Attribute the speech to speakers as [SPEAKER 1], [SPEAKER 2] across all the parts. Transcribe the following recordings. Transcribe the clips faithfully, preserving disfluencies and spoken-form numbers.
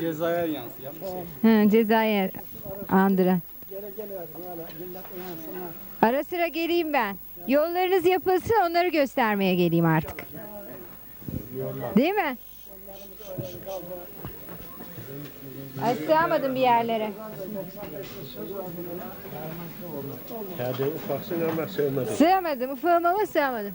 [SPEAKER 1] Cezaya yansıyan bir şey.
[SPEAKER 2] Hı, cezaya andıran. Ara sıra geleyim ben. Yollarınız yapılsın, onları göstermeye geleyim artık. Değil mi? Ay, sığamadım bir yerlere.
[SPEAKER 3] Hadi ufaksın ama sığmadın.
[SPEAKER 2] Sığamadım, ufağım ama sığamadım.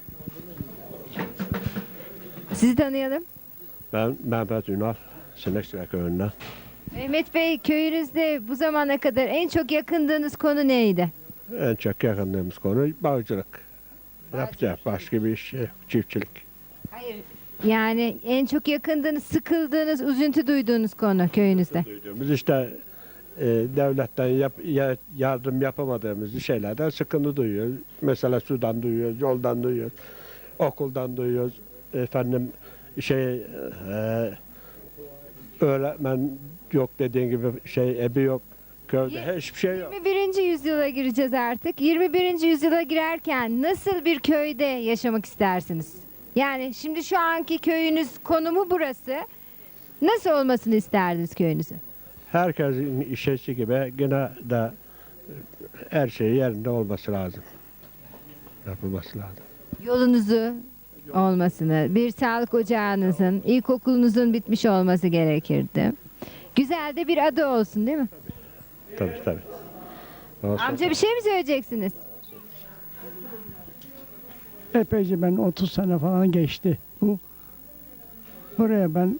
[SPEAKER 2] Sizi tanıyalım.
[SPEAKER 3] Ben Mehmet Ünal, Sinekçiler Köyü'nden.
[SPEAKER 2] Mehmet Bey, köyünüzde bu zamana kadar en çok yakındığınız konu neydi?
[SPEAKER 3] En çok yakındığımız konu bağcılık. Yapacak başka bir iş yok, çiftçilik.
[SPEAKER 2] Hayır. Yani en çok yakındığınız, sıkıldığınız, üzüntü duyduğunuz konu köyünüzde.
[SPEAKER 3] Duyduğumuz işte e, devletten yap, ya- yardım yapamadığımız şeylerden sıkıntı duyuyoruz. Mesela sudan duyuyoruz, yoldan duyuyoruz, okuldan duyuyoruz. Efendim şey e, öğretmen yok dediğin gibi şey ebi yok. Köyde hiçbir şey yok.
[SPEAKER 2] yirmi birinci yüzyıla gireceğiz artık. yirmi birinci yüzyıla girerken nasıl bir köyde yaşamak istersiniz? Yani şimdi şu anki köyünüz konumu burası. Nasıl olmasını isterdiniz köyünüzün?
[SPEAKER 3] Herkesin işesi gibi gene de her şey yerinde olması lazım. Yapılması lazım.
[SPEAKER 2] Yolunuzu olmasını, bir sağlık ocağınızın, ilkokulunuzun bitmiş olması gerekirdi. Güzel de bir adı olsun, değil mi?
[SPEAKER 3] Tabii tabii. Olsun.
[SPEAKER 2] Amca, bir şey mi söyleyeceksiniz?
[SPEAKER 4] Epeyce ben otuz sene falan geçti bu. Buraya ben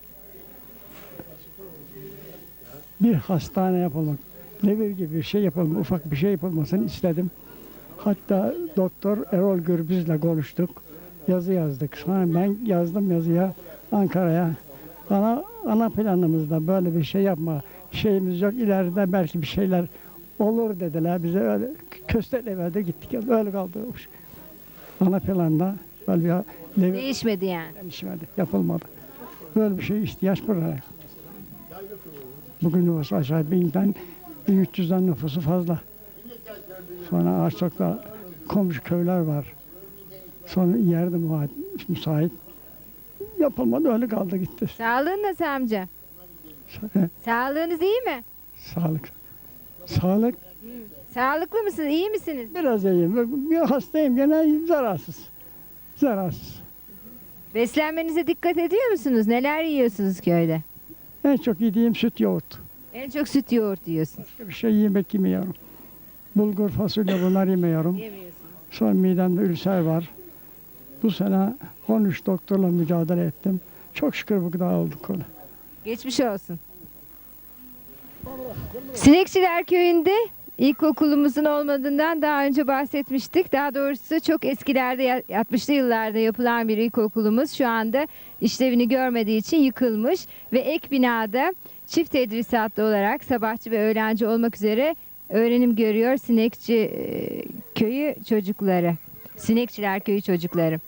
[SPEAKER 4] bir hastane yapılmak, nevir gibi bir şey yapılmak, ufak bir şey yapılmasını istedim. Hatta Doktor Erol Gürbüz'le konuştuk. Yazı yazdık. Sonra ben yazdım yazıya Ankara'ya. Bana ana planımızda böyle bir şey yapma şeyimiz yok. İleride belki bir şeyler olur dediler. Bize öyle kösteklemede gittik. Öyle kaldırılmış. Ana planda böyle bir nevir
[SPEAKER 2] Değişmedi yani.
[SPEAKER 4] gelişmedi, yapılmadı. Böyle bir şey ihtiyaç buraya. Bugün nüfusu aşağı binden, bin üç yüzden nüfusu fazla. Sonra Ağaçlık'ta komşu köyler var. Sonra yerde müsait, müsait. Yapılmadı, öyle kaldı gitti.
[SPEAKER 2] Sağlığın nasıl amca? Sağlığınız iyi mi?
[SPEAKER 4] Sağlık. Sağlık
[SPEAKER 2] Sağlıklı mısınız? İyi misiniz?
[SPEAKER 4] biraz iyiyim. Bir hastayım gene zararsız. Zararsız.
[SPEAKER 2] Beslenmenize dikkat ediyor musunuz? Neler yiyorsunuz köyde?
[SPEAKER 4] En çok yediğim süt yoğurt.
[SPEAKER 2] En çok süt yoğurt yiyorsunuz.
[SPEAKER 4] Bir şey yemek yemiyorum. Bulgur, fasulye bunlar yemiyorum.
[SPEAKER 2] Yemiyorsunuz.
[SPEAKER 4] Sonra midemde ülser var. Bu sene on üç doktorla mücadele ettim. Çok şükür bu kadar olduk onu.
[SPEAKER 2] Geçmiş olsun. Sinekçiler Köyü'nde ilkokulumuzun olmadığından daha önce bahsetmiştik. Daha doğrusu çok eskilerde, altmışlı yıllarda yapılan bir ilkokulumuz şu anda işlevini görmediği için yıkılmış ve ek binada çift tedrisatlı olarak sabahçı ve öğlenci olmak üzere öğrenim görüyor Sinekçi e, Köyü çocukları. Sinekçiler Köyü çocukları.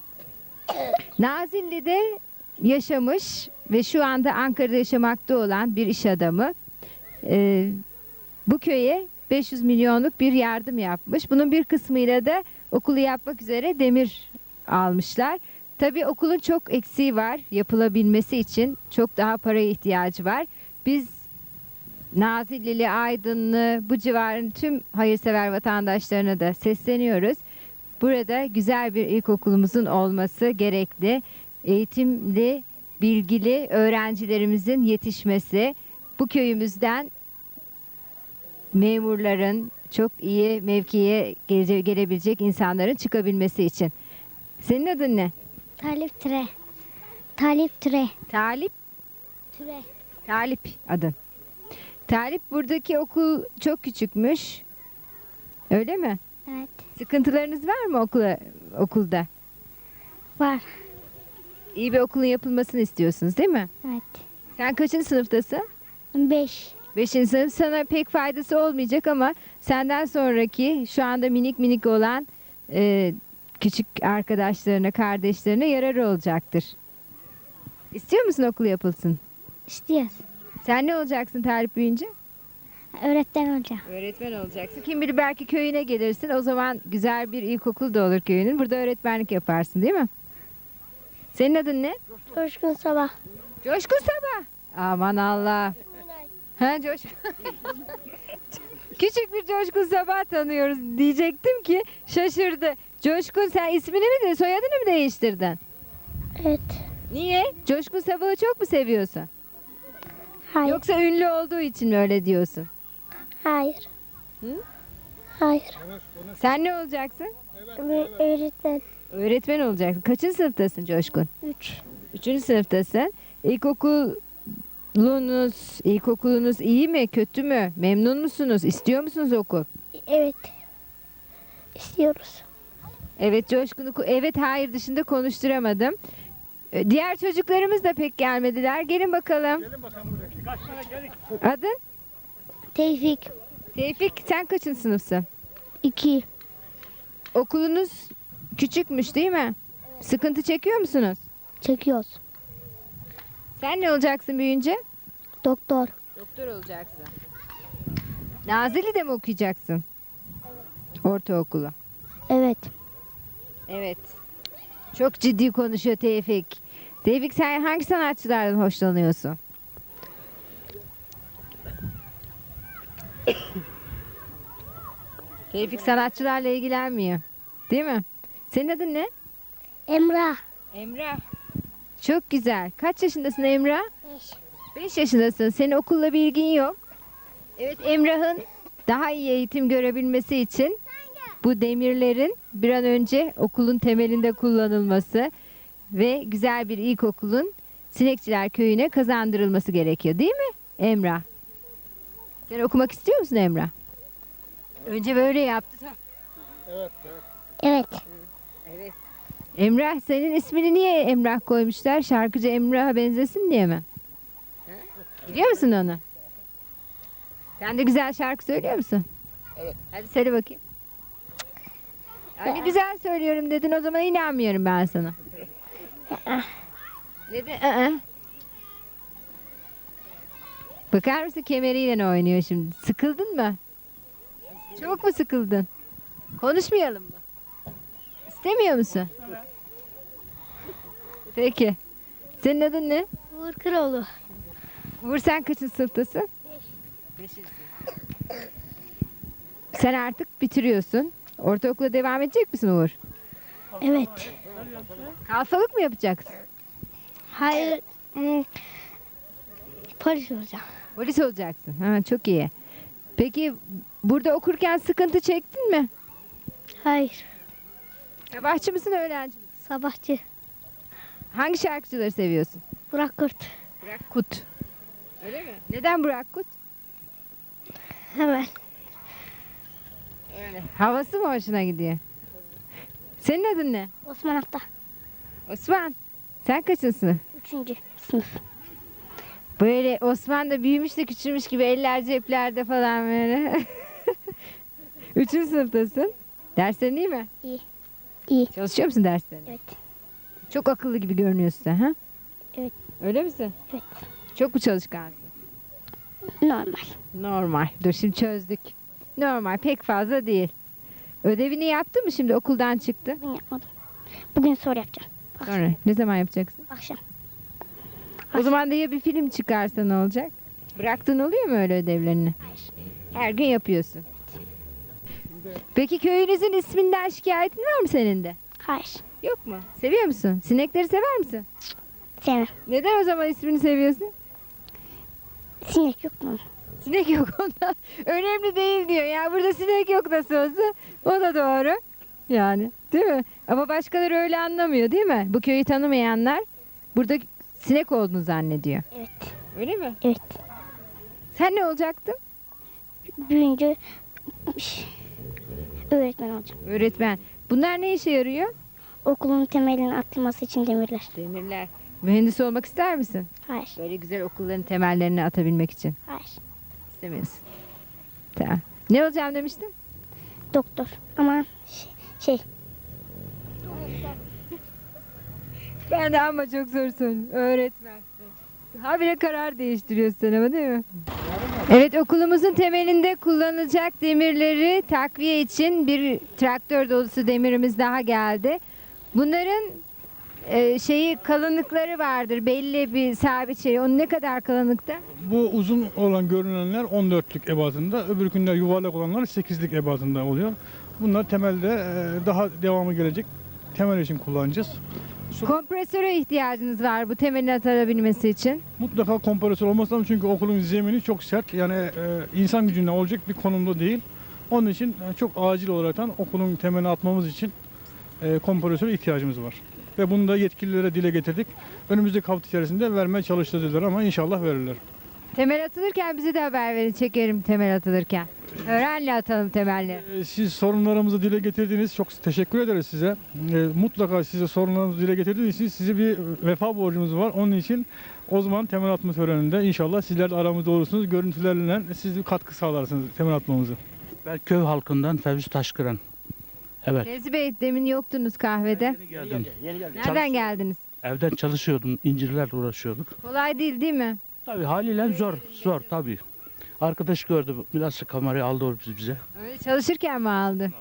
[SPEAKER 2] Nazilli'de yaşamış ve şu anda Ankara'da yaşamakta olan bir iş adamı e, bu köye beş yüz milyonluk bir yardım yapmış. Bunun bir kısmıyla da okulu yapmak üzere demir almışlar. Tabii okulun çok eksiği var. Yapılabilmesi için çok daha paraya ihtiyacı var. Biz Nazillili, Aydınlı, bu civarın tüm hayırsever vatandaşlarına da sesleniyoruz. Burada güzel bir ilkokulumuzun olması gerekli. Eğitimli, bilgili öğrencilerimizin yetişmesi, bu köyümüzden memurların, çok iyi mevkiye gele- gelebilecek insanların çıkabilmesi için. Senin adın ne?
[SPEAKER 5] Talip Tire. Talip Tire.
[SPEAKER 2] Talip.
[SPEAKER 5] Tire.
[SPEAKER 2] Talip adın. Talip, buradaki okul çok küçükmüş. Öyle mi?
[SPEAKER 5] Evet.
[SPEAKER 2] Sıkıntılarınız var mı okula, okulda?
[SPEAKER 5] Var.
[SPEAKER 2] İyi bir okulun yapılmasını istiyorsunuz, değil mi?
[SPEAKER 5] Evet.
[SPEAKER 2] Sen kaçıncı sınıftasın?
[SPEAKER 5] Beş.
[SPEAKER 2] Beşinci sınıf. Sana pek faydası olmayacak ama senden sonraki şu anda minik minik olan e, küçük arkadaşlarına, kardeşlerine yararı olacaktır. İstiyor musun okul yapılsın?
[SPEAKER 5] İstiyoruz.
[SPEAKER 2] Sen ne olacaksın Talip büyüyünce?
[SPEAKER 5] Öğretmen olacağım.
[SPEAKER 2] Öğretmen olacaksın. Kim bilir belki köyüne gelirsin. O zaman güzel bir ilkokul da olur köyünün. Burada öğretmenlik yaparsın, değil mi? Senin adın ne?
[SPEAKER 5] Coşkun Sabah.
[SPEAKER 2] Coşkun Sabah. Aman Allah. Ha Coşkun. Küçük bir Coşkun Sabah tanıyoruz diyecektim ki şaşırdı. Coşkun sen ismini mi de soyadını mı değiştirdin?
[SPEAKER 5] Evet.
[SPEAKER 2] Niye? Coşkun Sabah'ı çok mu seviyorsun?
[SPEAKER 5] Hayır.
[SPEAKER 2] Yoksa ünlü olduğu için mi öyle diyorsun?
[SPEAKER 5] Hayır.
[SPEAKER 2] Hı?
[SPEAKER 5] Hayır.
[SPEAKER 2] Sen ne olacaksın?
[SPEAKER 5] Ö- öğretmen.
[SPEAKER 2] Öğretmen olacaksın. Kaçıncı sınıftasın Coşkun?
[SPEAKER 5] Üç.
[SPEAKER 2] Üçüncü sınıftasın. İlkokulunuz, ilkokulunuz iyi mi, kötü mü? Memnun musunuz? İstiyor musunuz okul?
[SPEAKER 5] Evet. İstiyoruz.
[SPEAKER 2] Evet Coşkun'u ku- evet hayır dışında konuşturamadım. Ee, Diğer çocuklarımız da pek gelmediler. Gelin bakalım. Adın?
[SPEAKER 5] Tevfik.
[SPEAKER 2] Tevfik sen kaçıncı sınıfsın?
[SPEAKER 5] İki.
[SPEAKER 2] Okulunuz küçükmüş değil mi? Sıkıntı çekiyor musunuz?
[SPEAKER 5] Çekiyoruz.
[SPEAKER 2] Sen ne olacaksın büyüyünce?
[SPEAKER 5] Doktor.
[SPEAKER 2] Doktor olacaksın. Nazilli'de mi okuyacaksın? Ortaokulu.
[SPEAKER 5] Evet.
[SPEAKER 2] Evet. Çok ciddi konuşuyor Tevfik. Tevfik sen hangi sanatçılardan hoşlanıyorsun? Tevfik sanatçılarla ilgilenmiyor. Değil mi? Senin adın ne?
[SPEAKER 5] Emrah.
[SPEAKER 2] Emrah. Çok güzel. Kaç yaşındasın Emrah?
[SPEAKER 5] Beş.
[SPEAKER 2] beş yaşındasın. Senin okulla bir ilgin yok. Evet Emrah'ın daha iyi eğitim görebilmesi için bu demirlerin bir an önce okulun temelinde kullanılması ve güzel bir ilkokulun Sinekçiler Köyü'ne kazandırılması gerekiyor değil mi Emrah? Sen okumak istiyor musun Emrah? Önce böyle yaptı.
[SPEAKER 5] Evet.
[SPEAKER 2] Evet. Emrah senin ismini niye Emrah koymuşlar? Şarkıcı Emrah'a benzesin diye mi? Biliyor musun onu? Sen de güzel şarkı söylüyor musun? Evet. Hadi söyle bakayım. Hani güzel söylüyorum dedin o zaman inanmıyorum ben sana. Neden? Aa. Bakar mısın kemeriyle oynuyor şimdi? Sıkıldın mı? Çok mu sıkıldın? Konuşmayalım mı? İstemiyor musun? Peki. Senin adın ne?
[SPEAKER 5] Uğur Kıroğlu.
[SPEAKER 2] Uğur sen kaçıncı sınıftasın? Beş. Sen artık bitiriyorsun. Ortaokula devam edecek misin Uğur?
[SPEAKER 5] Evet.
[SPEAKER 2] Kalfalık mı yapacaksın?
[SPEAKER 5] Hayır. Hmm. Polis olacağım.
[SPEAKER 2] Polis olacaksın. Ha, çok iyi. Peki burada okurken sıkıntı çektin mi?
[SPEAKER 5] Hayır.
[SPEAKER 2] Sabahçı mısın öğrenci misin?
[SPEAKER 5] Sabahçı.
[SPEAKER 2] Hangi şarkıcıları seviyorsun?
[SPEAKER 5] Burak Kurt.
[SPEAKER 2] Burak Kut. Öyle mi? Neden Burak Kut?
[SPEAKER 5] Hemen.
[SPEAKER 2] Öyle. Havası mı hoşuna gidiyor? Senin adın ne?
[SPEAKER 5] Osman Hafta.
[SPEAKER 2] Osman. Sen kaçıncı sınıf?
[SPEAKER 5] Üçüncü sınıf.
[SPEAKER 2] Böyle Osman da büyümüş de küçülmüş gibi eller ceplerde falan böyle. Üçüncü sınıftasın. Derslerin iyi mi?
[SPEAKER 5] İyi. İyi.
[SPEAKER 2] Çalışıyor musun derslerine?
[SPEAKER 5] Evet.
[SPEAKER 2] Çok akıllı gibi görünüyorsun sen ha?
[SPEAKER 5] Evet.
[SPEAKER 2] Öyle misin?
[SPEAKER 5] Evet.
[SPEAKER 2] Çok mu çalışkansın?
[SPEAKER 5] Normal.
[SPEAKER 2] Normal. Dur şimdi çözdük. Normal pek fazla değil. Ödevini yaptın mı şimdi okuldan çıktı?
[SPEAKER 5] Bugün yapmadım. Bugün soru yapacağım. Akşam.
[SPEAKER 2] Sonra ne zaman yapacaksın?
[SPEAKER 5] Akşam.
[SPEAKER 2] O zaman da ya bir film çıkarsa ne olacak? Bıraktığın oluyor mu öyle ödevlerini?
[SPEAKER 5] Hayır.
[SPEAKER 2] Her gün yapıyorsun. Peki köyünüzün isminden şikayetin var mı senin de?
[SPEAKER 5] Hayır.
[SPEAKER 2] Yok mu? Seviyor musun? Sinekleri sever misin?
[SPEAKER 5] Sevmem.
[SPEAKER 2] Neden o zaman ismini seviyorsun?
[SPEAKER 5] Sinek yok mu?
[SPEAKER 2] Sinek yok onda. Önemli değil diyor. Ya burada sinek yok nasıl olsa. O da doğru. Yani değil mi? Ama başkaları öyle anlamıyor değil mi? Bu köyü tanımayanlar burada sinek olduğunu zannediyor.
[SPEAKER 5] Evet.
[SPEAKER 2] Öyle mi?
[SPEAKER 5] Evet.
[SPEAKER 2] Sen ne olacaktın?
[SPEAKER 5] Büyüyünce öğretmen olacağım.
[SPEAKER 2] Öğretmen. Bunlar ne işe yarıyor?
[SPEAKER 5] Okulun temelinin atılması için demirler.
[SPEAKER 2] Demirler. Mühendis olmak ister misin?
[SPEAKER 5] Hayır.
[SPEAKER 2] Böyle güzel okulların temellerini atabilmek için.
[SPEAKER 5] Hayır.
[SPEAKER 2] İstemiyorsun. Tamam. Ne olacağım demiştin?
[SPEAKER 5] Doktor. Ama şey, şey
[SPEAKER 2] Ben de ama çok zor söylüyorum. Öğretmen. Habire karar değiştiriyorsun ama değil mi? Evet okulumuzun temelinde kullanılacak demirleri takviye için bir traktör dolusu demirimiz daha geldi. Bunların e, şeyi kalınlıkları vardır. Belli bir sabit şey. Onun ne kadar kalınlıkta?
[SPEAKER 6] Bu uzun olan görünenler on dörtlük ebatında, öbürkünler yuvarlak olanlar sekizlik ebatında oluyor. Bunlar temelde e, daha devamı gelecek. Temel için kullanacağız.
[SPEAKER 2] Kompresöre ihtiyacınız var bu temelin atılabilmesi için.
[SPEAKER 6] Mutlaka kompresör olması lazım çünkü okulun zemini çok sert. Yani e, insan gücüne olacak bir konumda değil. Onun için e, çok acil olaraktan okulun temelini atmamız için e, kompresöre ihtiyacımız var. Ve bunu da yetkililere dile getirdik. Önümüzdeki hafta içerisinde vermeye çalıştırdılar ama inşallah verirler.
[SPEAKER 2] Temel atılırken bize de haber verin. Çekerim temel atılırken. Öğrenle atalım temelleri.
[SPEAKER 6] E, Siz sorunlarımızı dile getirdiniz. Çok teşekkür ederiz size. E, mutlaka size sorunlarımızı dile getirdiğiniz için size bir vefa borcumuz var. Onun için o zaman temel atma töreninde inşallah sizler de aramızda olursunuz. Görüntülerle siz bir katkı sağlarsınız temel atmamızı.
[SPEAKER 7] Ben köy halkından Fevzi Taşkıran. Evet.
[SPEAKER 2] Fevzi Bey demin yoktunuz kahvede.
[SPEAKER 7] Yeni geldim.
[SPEAKER 2] Nereden geldiniz?
[SPEAKER 7] Evden çalışıyordum, incirlerle uğraşıyorduk.
[SPEAKER 2] Kolay değil değil mi?
[SPEAKER 7] Tabii haliyle zor, zor tabii. Arkadaş gördü, biraz kamerayı aldı o bize.
[SPEAKER 2] Öyle çalışırken mi aldı?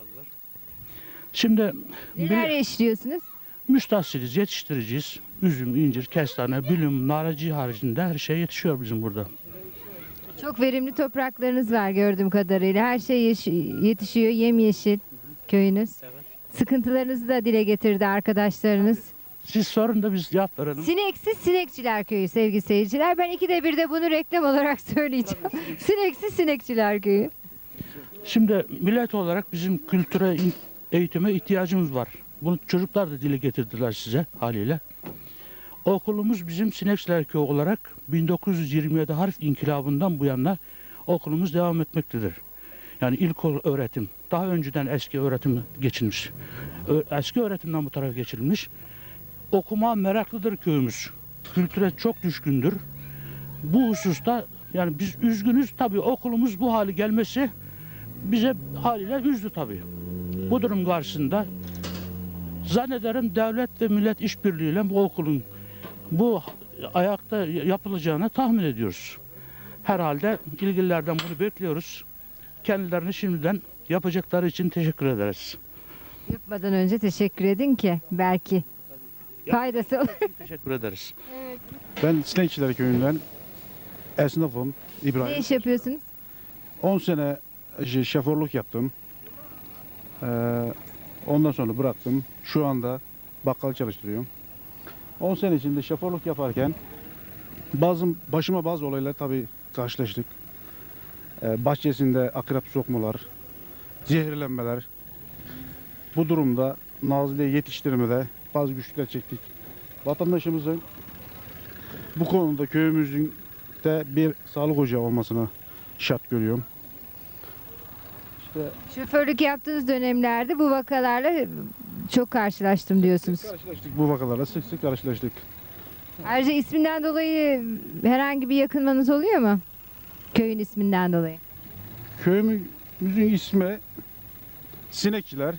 [SPEAKER 7] Şimdi
[SPEAKER 2] Neler
[SPEAKER 7] bir,
[SPEAKER 2] işliyorsunuz?
[SPEAKER 7] müstahsiliz, yetiştiriciyiz. Üzüm, incir, kestane, bülüm, naracı haricinde her şey yetişiyor bizim burada.
[SPEAKER 2] Çok verimli topraklarınız var gördüğüm kadarıyla. Her şey yeş- yetişiyor, yemyeşil köyünüz. Sıkıntılarınızı da dile getirdi arkadaşlarınız.
[SPEAKER 7] Siz sorun da biz cevap verelim.
[SPEAKER 2] Sineksiz Sinekçiler Köyü sevgili seyirciler. Ben ikide bir de bunu reklam olarak söyleyeceğim. Sineksiz Sinekçiler Köyü.
[SPEAKER 7] Şimdi millet olarak bizim kültüre, in- eğitime ihtiyacımız var. Bunu çocuklar da dile getirdiler size haliyle. Okulumuz bizim Sinekçiler Köyü olarak bin dokuz yüz yirmi yedi harf inkılabından bu yana okulumuz devam etmektedir. Yani ilk öğretim, daha önceden eski öğretim geçilmiş. Ö- Eski öğretimden bu tarafa geçilmiş. Okuma meraklıdır köyümüz. Kültüre çok düşkündür. Bu hususta yani biz üzgünüz tabii okulumuz bu hale gelmesi bize haliyle üzdü tabii. Bu durum karşısında zannederim devlet ve millet işbirliğiyle bu okulun bu ayakta yapılacağını tahmin ediyoruz. Herhalde ilgililerden bunu bekliyoruz. Kendilerini şimdiden yapacakları için teşekkür ederiz.
[SPEAKER 2] Yapmadan önce teşekkür edin ki belki faydası olur.
[SPEAKER 7] Teşekkür ederiz.
[SPEAKER 8] Ben Sinekçiler Köyü'nden esnafım
[SPEAKER 2] Ne
[SPEAKER 8] İbrahim.
[SPEAKER 2] iş yapıyorsunuz?
[SPEAKER 8] on sene ş- şoförlük yaptım. Ee, ondan sonra bıraktım. Şu anda bakkal çalıştırıyorum. on sene içinde şoförlük yaparken bazı başıma bazı olaylar tabii karşılaştık. Ee, bahçesinde akrep sokmalar, zehirlenmeler. Bu durumda Nazilli'ye yetiştirmede bazı güçlükler çektik. Vatandaşımızın bu konuda köyümüzün de bir sağlık ocağı olmasını şart görüyorum. İşte
[SPEAKER 2] Şoförlük yaptığınız dönemlerde bu vakalarla çok karşılaştım diyorsunuz.
[SPEAKER 8] karşılaştık bu vakalarla sık sık karşılaştık.
[SPEAKER 2] Ayrıca isminden dolayı herhangi bir yakınmanız oluyor mu? Köyün isminden dolayı.
[SPEAKER 8] Köyümüzün ismi Sinekçiler.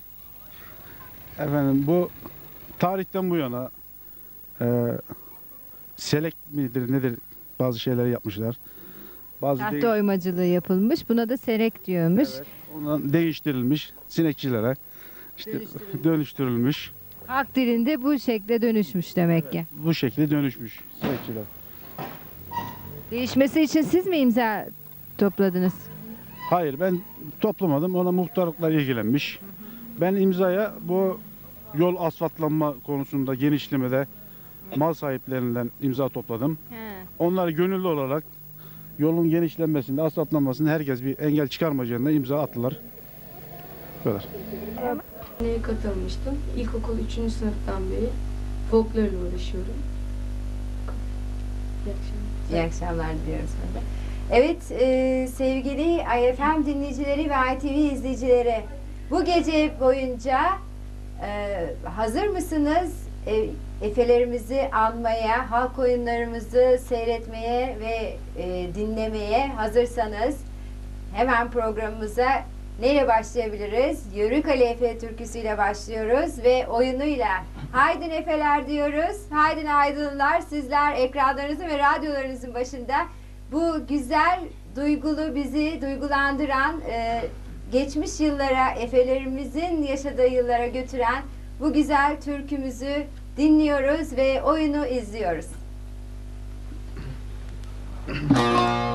[SPEAKER 8] Efendim bu tarihten bu yana e, selek midir nedir bazı şeyler yapmışlar. Bazı
[SPEAKER 2] Tahta
[SPEAKER 8] değiş-
[SPEAKER 2] oymacılığı yapılmış. Buna da serek diyormuş.
[SPEAKER 8] Evet, ondan değiştirilmiş sinekçilere işte dönüştürülmüş.
[SPEAKER 2] Halk dilinde bu şekle dönüşmüş demek ki.
[SPEAKER 8] Bu şekilde dönüşmüş sinekçiler.
[SPEAKER 2] Değişmesi için siz mi imza topladınız?
[SPEAKER 8] Hayır ben toplamadım. Ona muhtarlıklar ilgilenmiş. Ben imzaya bu yol asfaltlanma konusunda genişlemede mal sahiplerinden imza topladım. Onlar gönüllü olarak yolun genişlenmesinde, asfaltlanmasında herkes bir engel çıkarmayacağına imza attılar. Bu kadar.
[SPEAKER 9] Neye katılmıştım. İlkokul üçüncü sınıftan beri folklorla uğraşıyorum. İyi akşamlar.
[SPEAKER 2] İyi akşamlar diliyoruz burada. Evet e, sevgili I F M dinleyicileri ve I T V izleyicileri, bu gece boyunca e, hazır mısınız? E, Efelerimizi anmaya, halk oyunlarımızı seyretmeye ve e, dinlemeye hazırsanız hemen programımıza neyle başlayabiliriz? Yörük Ali Efe türküsüyle başlıyoruz ve oyunuyla. Haydin Efeler diyoruz. Haydin aydınlar. Sizler ekranlarınızın ve radyolarınızın başında bu güzel, duygulu, bizi duygulandıran, e, geçmiş yıllara, Efelerimizin yaşadığı yıllara götüren bu güzel türkümüzü dinliyoruz ve oyunu izliyoruz.